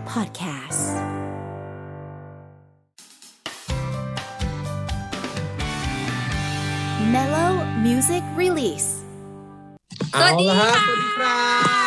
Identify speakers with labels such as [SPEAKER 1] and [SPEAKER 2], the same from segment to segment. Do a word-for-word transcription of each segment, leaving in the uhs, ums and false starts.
[SPEAKER 1] Podcast Mellow Music Release
[SPEAKER 2] สวัสดีค่ะ
[SPEAKER 3] สวัสดีครับ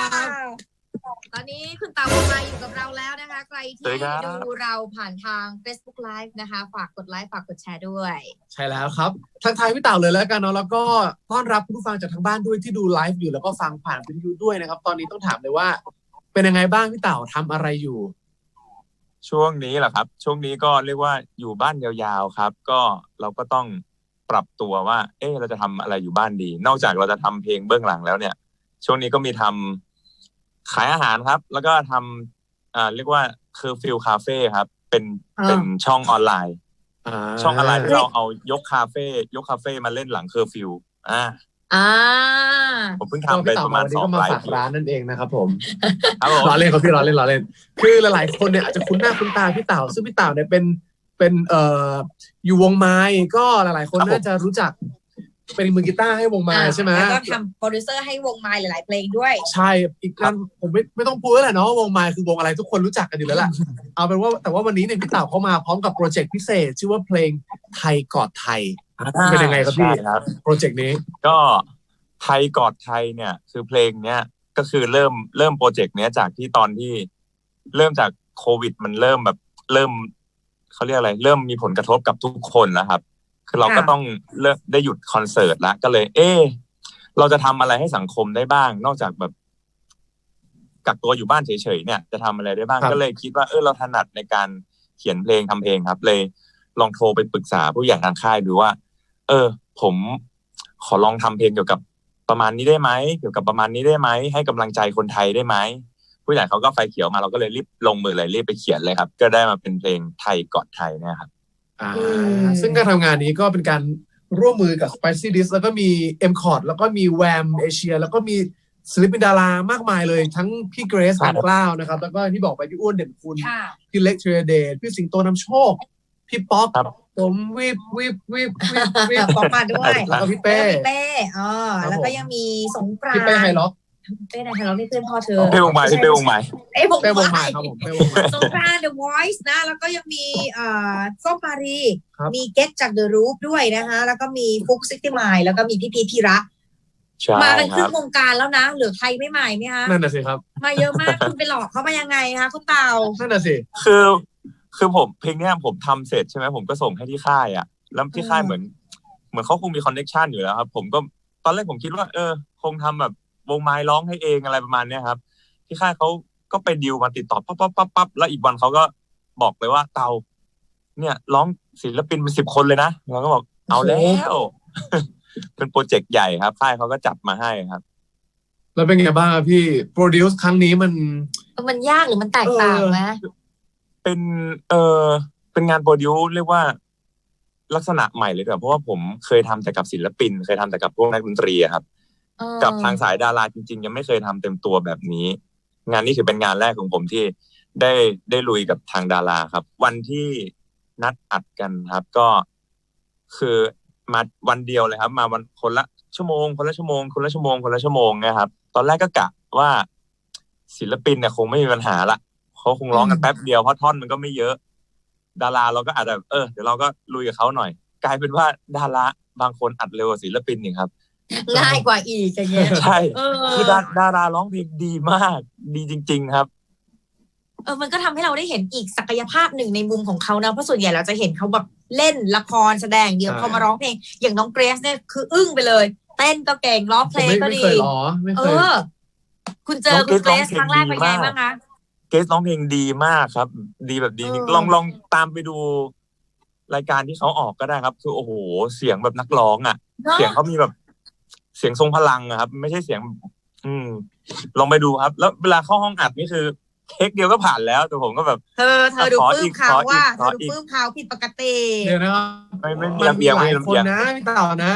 [SPEAKER 2] ตอนนี้คุณเต่ามาอยู่กับเราแล้วนะคะใครที่ดูเราผ่านทาง Facebook Live นะคะฝากกดไลค์ฝากกดแชร์ด้วย
[SPEAKER 3] ใช่แล้วครับทักทายพี่เต่าเลยแล้วกันเนาะแล้วก็ต้อนรับผู้ฟังจากทางบ้านด้วยที่ดูไลฟ์อยู่แล้วก็ฟังผ่านวิทยุด้วยนะครับตอนนี้ต้องถามเลยว่าเป็นยังไงบ้างพี่เต่าทำอะไรอยู่
[SPEAKER 4] ช่วงนี้แหละครับช่วงนี้ก็เรียกว่าอยู่บ้านยาวๆครับก็เราก็ต้องปรับตัวว่าเอ๊ะเราจะทำอะไรอยู่บ้านดีนอกจากเราจะทำเพลงเบื้องหลังแล้วเนี่ยช่วงนี้ก็มีทำขายอาหารครับแล้วก็ทำอ่าเรียกว่าคือฟิลคาเฟ่ครับเป็นเป็นช่องออนไลน์ช่องออนไลน์ที่เราเอายกคาเฟ่ยกคาเฟ่มาเล่นหลังเคอร์ฟิวอ่า
[SPEAKER 2] อ่า
[SPEAKER 4] ผมเพิ่งทำไปประมาณสองไลฟ์
[SPEAKER 3] ร้านนั่นเองนะครับผมล้อเล่นครับพี่ล้อเล่นล้อเล่นคือหลายๆคนเนี่ยอาจจะคุ้นหน้าคุ้นตาพี่เต่าซึ่งพี่เต่าเนี่ยเป็นเป็นเอ่ออยู่วงไม้ก็หลายๆคนน่าจะรู้จักเป็นมือกีตาร์ให้วงไม้ใช่ไหม
[SPEAKER 2] แล้วก็ทำโปรดิวเซอร์ให้วงไม้หลายๆเพลงด้วย
[SPEAKER 3] ใช่อีกนั้นผมไม่ไม่ต้องพูดแล้วแหละเนาะวงไม้คือวงอะไรทุกคนรู้จักกันอยู่แล้วแหละเอาเป็นว่าแต่ว่าวันนี้เนี่ยพี่เต่าเขามาพร้อมกับโปรเจกต์พิเศษชื่อว่าเพลงไทยกอดไทยเป็นยังไงครับพี่โปรเจกต์นี้
[SPEAKER 4] ก็ไทยกอดไทยเนี่ยคือเพลงเนี้ยก็คือเริ่มเริ่มโปรเจกต์เนี้ยจากที่ตอนที่เริ่มจากโควิดมันเริ่มแบบเริ่มเขาเรียกอะไรเริ่มมีผลกระทบกับทุกคนแล้วครับคือเราก็ต้องเลิกได้หยุดคอนเสิร์ตแล้วก็เลยเออเราจะทำอะไรให้สังคมได้บ้างนอกจากแบบกักตัวอยู่บ้านเฉยๆเนี่ยจะทำอะไรได้บ้างก็เลยคิดว่าเออเราถนัดในการเขียนเพลงทำเพลงครับเลยลองโทรไปปรึกษาผู้ใหญ่ทางค่ายดูว่าเออผมขอลองทำเพลงเกี่ยวกับประมาณนี้ได้ไหมเกี่ยวกับประมาณนี้ได้ไหมให้กำลังใจคนไทยได้ไหมผู้ใหญ่เขาก็ไฟเขียวมาเราก็เลยรีบลงมือเลยรีบไปเขียนเลยครับก็ได้มาเป็นเพลงไทยกอดไทยนะครับ
[SPEAKER 3] อ่าซึ่งการทำงานนี้ก็เป็นการร่วมมือกับ Spicy Dish แล้วก็มี M Chord แล้วก็มี แวม Asia แล้วก็มีศิลปินดารามากมายเลยทั้งพี่เกรซการกล้าวนะครับแล้วก็ที่บอกไปพี่อ้วนเด่นคุณพี่เล็กเทรเดชพี่สิงโตนำโชคพี่ป๊อกผมวิบวิบวิบวิบวิบ
[SPEAKER 2] ป๊อกมาด้วย
[SPEAKER 3] แล้วก็พี่เป้
[SPEAKER 2] พี่เป้อ๋อแล้วก็ยังมีสงกรานต์
[SPEAKER 3] พี่เป้ไฮล็อก
[SPEAKER 2] เป้ไฮล็อกนี่เพื่อนพ่อเธอ
[SPEAKER 4] เป้วงใหม่พี่เป้วงใหม่
[SPEAKER 2] เป้วง
[SPEAKER 3] ใหม่ครับผมเป้วงใหม่
[SPEAKER 2] สงกรานต์ The Voice นะแล้วก็ยังมีเอ่อส้มมารีมีเก็ตจาก The Roof ด้วยนะคะแล้วก็มีฟุกซิตี้มายแล้วก็มีพี่พีพี่ระมาเป็นครึ่งวงการแล้วนะเหลือใครไม่ใหม่ไหมคะ
[SPEAKER 3] นั่นน่ะสิครับ
[SPEAKER 2] มาเยอะมากคุณไปหลอกเขามายังไงคะคุณเต่า
[SPEAKER 3] นั่นน่ะสิ
[SPEAKER 4] คือคือผมเพลงเนี้ยผมทำเสร็จใช่ไหมผมก็ส่งให้ที่ค่ายอ่ะแล้วที่ค่ายเหมือนเหมือนเขาคงมีคอนเนคชั่นอยู่แล้วครับผมก็ตอนแรกผมคิดว่าเออคงทำแบบวงไม้ร้องให้เองอะไรประมาณเนี้ยครับที่ค่ายเขาก็ไปดีลมาติดต่อปั๊บปั๊บปั๊บปั๊บแล้วอีกวันเขาก็บอกเลยว่าเตาเนี่ยร้องศิลปินเป็นสิบคนเลยนะเราก็บอกเอาแล้วเป็นโปรเจกต์ใหญ่ครับค่ายเขาก็จัดมาให้ครับ
[SPEAKER 3] แล้วเป็นไงบ้างครับพี่โปรดิวซ์ครั้งนี้มัน
[SPEAKER 2] มันยากหรือมันแตกต่างไหม
[SPEAKER 4] เป็นเออเป็นงานโปรดิวซ์เรียกว่าลักษณะใหม่เลยครับเพราะว่าผมเคยทำแต่กับศิลปินเคยทำแต่กับพวกนักดนตรีครับกับทางสายดาราจริงๆยังไม่เคยทำเต็มตัวแบบนี้งานนี้ถือเป็นงานแรกของผมที่ได้ได้ลุยกับทางดาราครับวันที่นัดอัดกันครับก็คือมาวันเดียวเลยครับมาวันคนละชั่วโมงคนละชั่วโมงคนละชั่วโมงคนละชั่วโมงนะครับตอนแรกก็กะว่าศิลปินเนี่ยคงไม่มีปัญหาละเขาคงร้องกันแป๊บเดียวเพราะท่อนมันก็ไม่เยอะดาราเราก็อาจจะเออเดี๋ยวเราก็ลุยกับเขาหน่อยกลายเป็นว่าดาราบางคนอัดเร็วกว่าศิลปินอีกครับ
[SPEAKER 2] ง่ายกว่าอีกอย่างเงี้ย
[SPEAKER 4] ใช่คือดาดาราร้องเพลงดีมากดีจริงๆครับ
[SPEAKER 2] เออมันก็ทำให้เราได้เห็นอีกศักยภาพหนึ่งในมุมของเขานะเพราะส่วนใหญ่เราจะเห็นเขาแบบเล่นละครแสดงเดียวพอมาร้องเพลงอย่างน้องเกรซเนี่ยคืออึ้งไปเลยเต้นก็เก่งร้องเพลงก็ดีเออคุณเจอคุณเกรซครั้งแรกเป็นไงบ้างคะ
[SPEAKER 4] เกรซร้องเพลงดีมากครับดีแบบดีลองลองตามไปดูรายการที่เขาออกก็ได้ครับคือโอ้โหเสียงแบบนักร้องอ่ะเสียงเขามีแบบเสียงทรงพลังอะครับไม่ใช่เสียงอืมลองไปดูครับแล้วเวลาเข้าห้องอัดนี่คือเทคเดียวก็ผ่านแล้วแต่ผมก็แบบ
[SPEAKER 2] เธอเธอดูปลื้มเขาว่าเธอดูปลื้มเขาผิดปกติ
[SPEAKER 3] เดี๋ยวนะ
[SPEAKER 4] ไม่ไม่มีลำเอียงไม่มีลำเอียง
[SPEAKER 3] นะพี่เต่านะ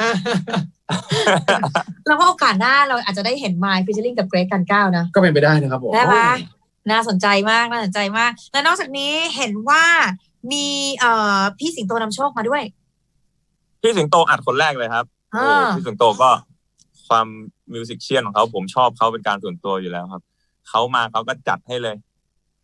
[SPEAKER 2] แล้วก็โอกาสหน้าเราอาจจะได้เห็นไมค์ฟีเจอริ่งกับเกรซกันก้าวนะ
[SPEAKER 3] ก็เป็นไปได้นะครับผม
[SPEAKER 2] ได้ไหมน่าสนใจมากน่าสนใจมากและนอกจากนี้เห็นว่ามีเอ่อพี่สิงโตนำโชคมาด้วย
[SPEAKER 4] พี่สิงโตอัดคนแรกเลยครับโอ้พี่สิงโตก็ความมิวสิกเชียนของเขาผมชอบเขาเป็นการส่วนตัวอยู่แล้วครับเขามาเขาก็จัดให้เลย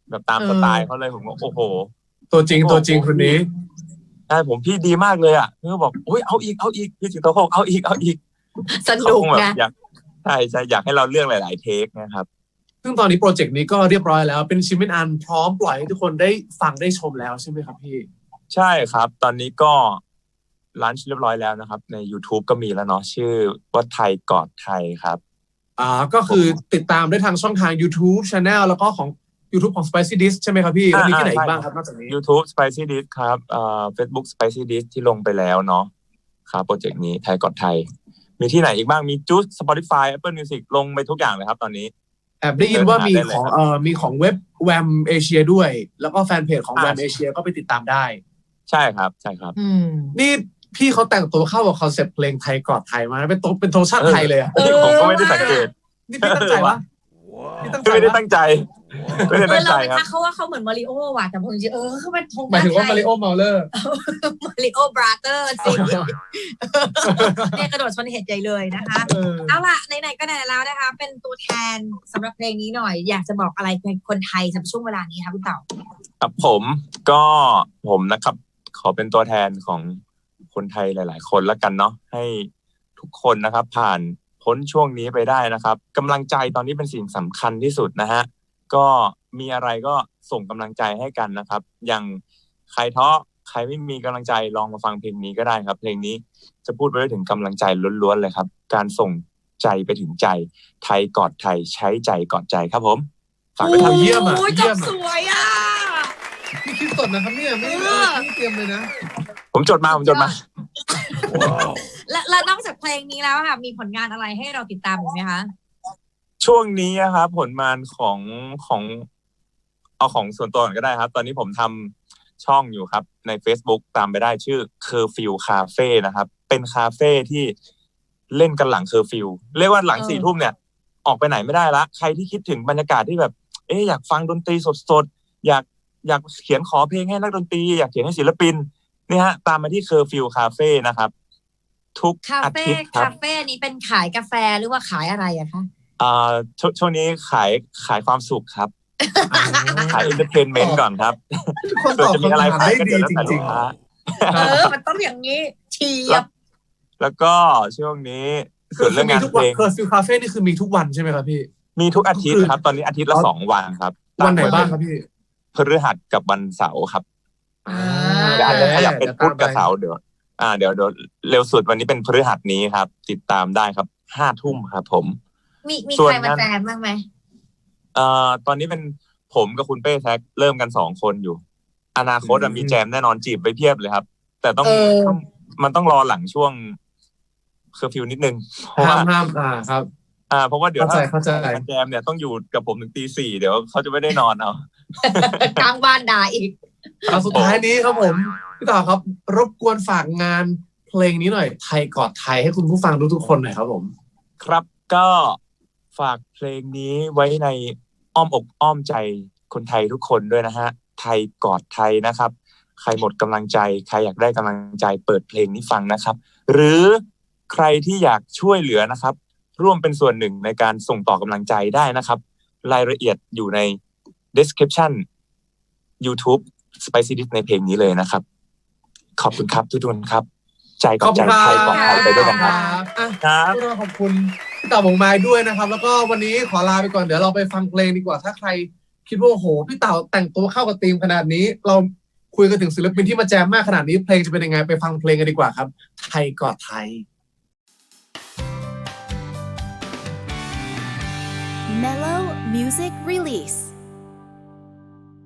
[SPEAKER 4] แบบตามสไตล์เขาเลยผมก็โอ้โห
[SPEAKER 3] ตัวจริงตัวจริงคนนี้
[SPEAKER 4] ใช่ผมพี่ดีมากเลยอ่ะเพื่อบอกอุ้ยเอาอีกเอาอีกพี่สิงโตเขาบอกเอาอีกเอาอีก
[SPEAKER 2] ส
[SPEAKER 4] เขา
[SPEAKER 2] นุก
[SPEAKER 4] คงแบบ
[SPEAKER 2] นะ
[SPEAKER 4] อยากใช่ใช่อยากให้เราเลือกหลาย ๆ เทคนะครับ
[SPEAKER 3] ซึ่งตอนนี้โปรเจกต์นี้ก็เรียบร้อยแล้วเป็นชิ้นเป็นอันพร้อมปล่อยให้ทุกคนได้ฟังได้ชมแล้วใช่ไหมครับพี่
[SPEAKER 4] ใช่ครับ ตอนนี้ก็ลันช์เรียบร้อยแล้วนะครับใน YouTube ก็มีแล้วเนาะชื่อว่าไทยกอดไทยครับ
[SPEAKER 3] อ่าก็คือติดตามได้ทางช่องทาง YouTube Channel แล้วก็ของ YouTube ของ Spicy Dish ใช่ไหมครับพี่แล้วมีที่ไหนอีกบ้างครับนอกจากนี้
[SPEAKER 4] YouTube Spicy Dish ครับเอ่อ Facebook Spicy Dish ที่ลงไปแล้วเนาะครับโปรเจกต์นี้ไทยกอดไทยมีที่ไหนอีกบ้างมีจู๊ Spotify Apple Music ลงไปทุกอย่างเลยครับตอนนี้
[SPEAKER 3] แอบได้ยินว่ามี
[SPEAKER 4] เดินหาได้เลย
[SPEAKER 3] ของเอ่อมีของเว็บ แวม Asia ด้วย แล้วก็แฟนเพจของ
[SPEAKER 4] อ่า
[SPEAKER 3] แวม Asia ก็ไปติดตามได้
[SPEAKER 4] ใช่ครับใช่ครับ
[SPEAKER 2] อืม
[SPEAKER 3] นี่พี่เขาแต่งตัวเข้ากับคอนเซ็ปต์เพลงไทยกอดไทยมาเป็นตัวเป็นธงชาติไทยเลยอะ
[SPEAKER 2] เออ
[SPEAKER 4] ผมก็ไม่ได้สังเกต
[SPEAKER 3] นี่พี่ตั้งใจวะนี่ตั้งใจ
[SPEAKER 4] ไม่ได้
[SPEAKER 3] วะ
[SPEAKER 4] ตั้งใจไม่ได้
[SPEAKER 2] เอ
[SPEAKER 4] ตั้
[SPEAKER 2] อง
[SPEAKER 4] ใจ
[SPEAKER 2] เราไป
[SPEAKER 4] ครับ
[SPEAKER 2] ทักเขาว่าเขาเหมือนมาริโอว่ะแต่ผมจริงๆเออเขาเป็นธง
[SPEAKER 3] หมายถึงว่า
[SPEAKER 2] ช
[SPEAKER 3] มาริโอเมาเลอร์
[SPEAKER 2] มาริโอบราเตอร์สิเนี่ยกระโดดชนเหตุใหญ่เลยนะคะ
[SPEAKER 3] เออ
[SPEAKER 2] เอาล่ะไหนๆก็ไหนๆแล้วนะคะ เป็นตัวแทนสำหรับเพลงนี้หน่อย อยากจะบอกอะไรกับคนไทยสำหรับช่วงเวลานี้คะพี่เต๋า
[SPEAKER 4] ครับผมก็ผมนะครับ ขอเป็นตัวแทนของคนไทยหลาย ๆ คนแล้วกันเนาะให้ทุกคนนะครับ ผ่านพ้นช่วงนี้ไปได้นะครับกำลังใจตอนนี้เป็นสิ่งสำคัญที่สุดนะฮะก็มีอะไรก็ส่งกำลังใจให้กันนะครับ อย่างใครท้อใครไม่มีกำลังใจลองมาฟังเพลงนี้ก็ได้ครับ เพลงนี้จะพูดไปถึงกำลังใจล้วนๆเลยครับ การส่งใจไปถึงใจไทยกอดไทยใช้ใจกอดใจครับผมฝากไปทำ
[SPEAKER 3] เยี่ยมอะ
[SPEAKER 2] โอ้ย
[SPEAKER 3] เยี่
[SPEAKER 2] จ
[SPEAKER 3] ย
[SPEAKER 2] บ
[SPEAKER 3] มอะ
[SPEAKER 2] สวยอ่ะ
[SPEAKER 3] พี่คิดสดนะครับเนี่ยไม่ได้
[SPEAKER 2] เออ
[SPEAKER 3] ไม่ได้เตรียมเลยนะ
[SPEAKER 4] ผมจดมาผมจดมา
[SPEAKER 2] และและนอกจากเพลงนี้แล้วค่ะมีผลงานอะไรให้เราติดตามอีกไหมคะ
[SPEAKER 4] ช่วงนี้นะครับผลงานของของเอาของส่วนตัวก่อนก็ได้ครับ ตอนนี้ผมทำช่องอยู่ครับใน Facebook ตามไปได้ชื่อ Curfew Cafe นะครับ เป็นคาเฟ่ที่เล่นกันหลังเคอร์ฟิวเรียกว่าหลัง
[SPEAKER 2] เออ
[SPEAKER 4] สี่ทุ่มเนี่ย ออกไปไหนไม่ได้ละใครที่คิดถึงบรรยากาศที่แบบ เอ๊ะอยากฟังดนตรีสดๆอยากอยากเขียนขอเพลงให้นักดนตรีอยากเขียนให้ศิลปินนี่ฮะตามมาที่ Curfew Cafe นะครับ ทุก
[SPEAKER 2] คา
[SPEAKER 4] อา
[SPEAKER 2] เฟ่
[SPEAKER 4] ทิตย์ครั
[SPEAKER 2] คา
[SPEAKER 4] บ
[SPEAKER 2] เฟ่นี้เป็นขายกาแฟหรือว่าขายอะไรอะคะ
[SPEAKER 4] อ่าชช่วงนี้ขายขายความสุขครับ ขายเอนเตอร์เทนเมนต์ก่อนครับ
[SPEAKER 3] ทุกคน
[SPEAKER 4] ส่วน
[SPEAKER 3] ตอบ
[SPEAKER 4] จะมีอะไร
[SPEAKER 3] คำถาม
[SPEAKER 4] ขาย
[SPEAKER 3] ได้
[SPEAKER 4] ก็
[SPEAKER 3] ดี
[SPEAKER 4] เดี๋ยวแล้ว
[SPEAKER 3] จ
[SPEAKER 4] แต่ลู
[SPEAKER 3] ริ
[SPEAKER 4] ก
[SPEAKER 3] ง
[SPEAKER 4] ค้า
[SPEAKER 2] เออ มันต้องอย่างนี้เฉียบ
[SPEAKER 4] แล้วก็ช่วงนี้
[SPEAKER 3] ๆ
[SPEAKER 4] ส่วนเรื่องงาน
[SPEAKER 3] ทุก
[SPEAKER 4] เพ
[SPEAKER 3] วัน
[SPEAKER 4] ลง
[SPEAKER 3] เคอร์ฟิวคาเฟ่นี่คือมีทุกวันใช่ไหมครับพี่
[SPEAKER 4] มีทุกอาทิตย์ครับ ตอนนี้อาทิตย์ละสองวันครับ
[SPEAKER 3] วันไหนบ้างครับพี่
[SPEAKER 4] พฤหัสกับวันเสาร์ครับ
[SPEAKER 2] อ่า
[SPEAKER 4] เดี๋ยวอาจจะขยับเป็นพุธกับ
[SPEAKER 3] ดี๋ยวตมไป
[SPEAKER 4] เสาร์เดี๋ยวอ่าเดี๋ยวเดี๋ยวเร็วสุดวันนี้เป็นพฤหัสนี้ครับ ติดตามได้ครับห้าทุ่มครับผม
[SPEAKER 2] มีมี
[SPEAKER 4] ส่วน
[SPEAKER 2] ใครมา
[SPEAKER 4] นั้น
[SPEAKER 2] แจมบ้างไหม
[SPEAKER 4] เอ่อตอนนี้เป็นผมกับคุณเป้แท็กเริ่มกันสองคนอยู่ อนาคตอะมีแจมแน่นอนจีบไปเพียบเลยครับ แต่ต้อง
[SPEAKER 2] เออ
[SPEAKER 4] ต้องมันต้องรอหลังช่วงเคอร์ฟิวนิดนึงเพราะ
[SPEAKER 3] ห้า
[SPEAKER 4] ว่าม
[SPEAKER 3] ห้ามอ่าครับ
[SPEAKER 4] อ่าเพราะว่าเดี๋ยว
[SPEAKER 3] เข้าใจ
[SPEAKER 4] ถ้า
[SPEAKER 3] เข้าใจ
[SPEAKER 4] แจมเนี่ยต้องอยู่กับผมถึงตีสี่เดี๋ยวเขาจะไม่ได้นอนเอา
[SPEAKER 2] กลางบ้านด่าอีก
[SPEAKER 3] เอาสุดท้ายนี้ครับผมพี่ต่อครับ รบกวนฝากงานเพลงนี้หน่อยไทยกอดไทยให้คุณผู้ฟังทุกๆคนหน่อยครับผม
[SPEAKER 4] ครับก็ฝากเพลงนี้ไว้ในอ้อมอกอ้อมใจคนไทยทุกคนด้วยนะฮะไทยกอดไทยนะครับ ใครหมดกำลังใจใครอยากได้กำลังใจเปิดเพลงนี้ฟังนะครับ หรือใครที่อยากช่วยเหลือนะครับ ร่วมเป็นส่วนหนึ่งในการส่งต่อกำลังใจได้นะครับ รายละเอียดอยู่ใน description YouTube Spicy Dish ในเพลงนี้เลยนะครับ ขอบคุณครับทุกคนครับ ใจกอดใจไทยกอดไทยไปด้วยกันครับ
[SPEAKER 3] อ่ะ
[SPEAKER 4] ครับ
[SPEAKER 3] พวกเราขอบคุณพี่เต่าบงไม้ด้วยนะครับ แล้วก็วันนี้ขอลาไปก่อนเดี๋ยวเราไปฟังเพลงดีกว่าถ้าใครคิดว่าโอ้โหพี่เต่าแต่งตัวเข้ากับธีมขนาดนี้ เราคุยกันถึงศิลปินที่มาแจมมากขนาดนี้เพลงจะเป็นยังไงไปฟังเพลงกันดีกว่าครับ ไทยกอดไทย
[SPEAKER 1] Mellow Music Release.